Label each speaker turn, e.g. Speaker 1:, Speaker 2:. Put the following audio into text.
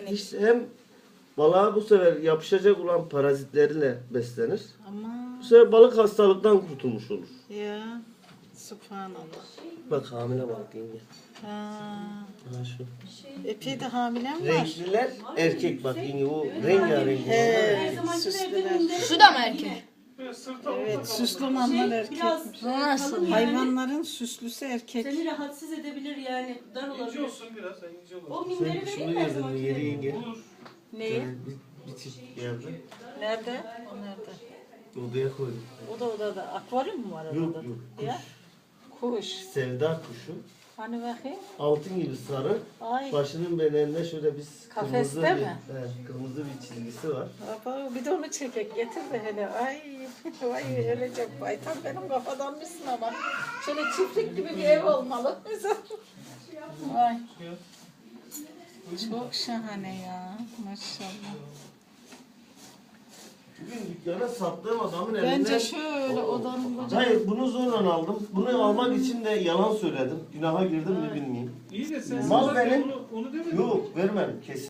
Speaker 1: İşte hem balığa bu sefer yapışacak olan parazitleriyle beslenir.
Speaker 2: Ama
Speaker 1: Bu sefer balık hastalıktan kurtulmuş olur.
Speaker 2: ya subhanallah.
Speaker 1: Bak hamile balık yenge.
Speaker 2: Ha.
Speaker 1: Ha şu.
Speaker 2: Epey de hamilem var.
Speaker 1: Renkliler erkek bak yenge o rengarenk.
Speaker 2: He,
Speaker 1: olanlar erkek.
Speaker 2: süslüler.
Speaker 3: Şu da mı erkek?
Speaker 2: Evet, süslü olanlar erkek.
Speaker 3: Nasıl?
Speaker 2: Hayvanların süslüsü erkek.
Speaker 4: Seni rahatsız edebilir yani. Dar
Speaker 5: İnce
Speaker 4: olabilir.
Speaker 5: olsun biraz, ince olsun.
Speaker 4: O minderi
Speaker 1: Sen
Speaker 4: vereyim
Speaker 1: şunu
Speaker 4: mi her
Speaker 1: yedin
Speaker 4: zaman?
Speaker 1: mi yeri yenge?
Speaker 5: Olur.
Speaker 2: Neyi?
Speaker 1: Bir çift yerde.
Speaker 2: Nerede? O nerede?
Speaker 1: Odaya koydum.
Speaker 2: O da odada. Akvaryum mu var odada?
Speaker 1: Yok yok.
Speaker 2: Ya? Kuş.
Speaker 1: Sevda kuşu.
Speaker 2: Hani bakayım?
Speaker 1: Altın gibi sarı.
Speaker 2: Ay.
Speaker 1: Başının beleninde şöyle bir
Speaker 2: Kafeste
Speaker 1: kırmızı
Speaker 2: mi?
Speaker 1: kırmızı bir çizgisi var.
Speaker 2: Baba bir de onu çekek. Getir de hele. Ay. Vay ölecek. Ay tam benim kafadan mısın ama. Şöyle çiftlik gibi bir ev olmalı. Vay. Çok şahane ya. Maşallah.
Speaker 1: Bugün dükkana sattığım adamın elinden...
Speaker 2: Bence şöyle odanın bacağı.
Speaker 1: Hayır bunu zorla aldım. Bunu almak için de yalan söyledim. Günaha girdim mi bilmiyorum.
Speaker 5: İyi de sen
Speaker 1: Mal
Speaker 5: zaten
Speaker 1: benim.
Speaker 5: onu demedin.
Speaker 1: Yok vermem kesin.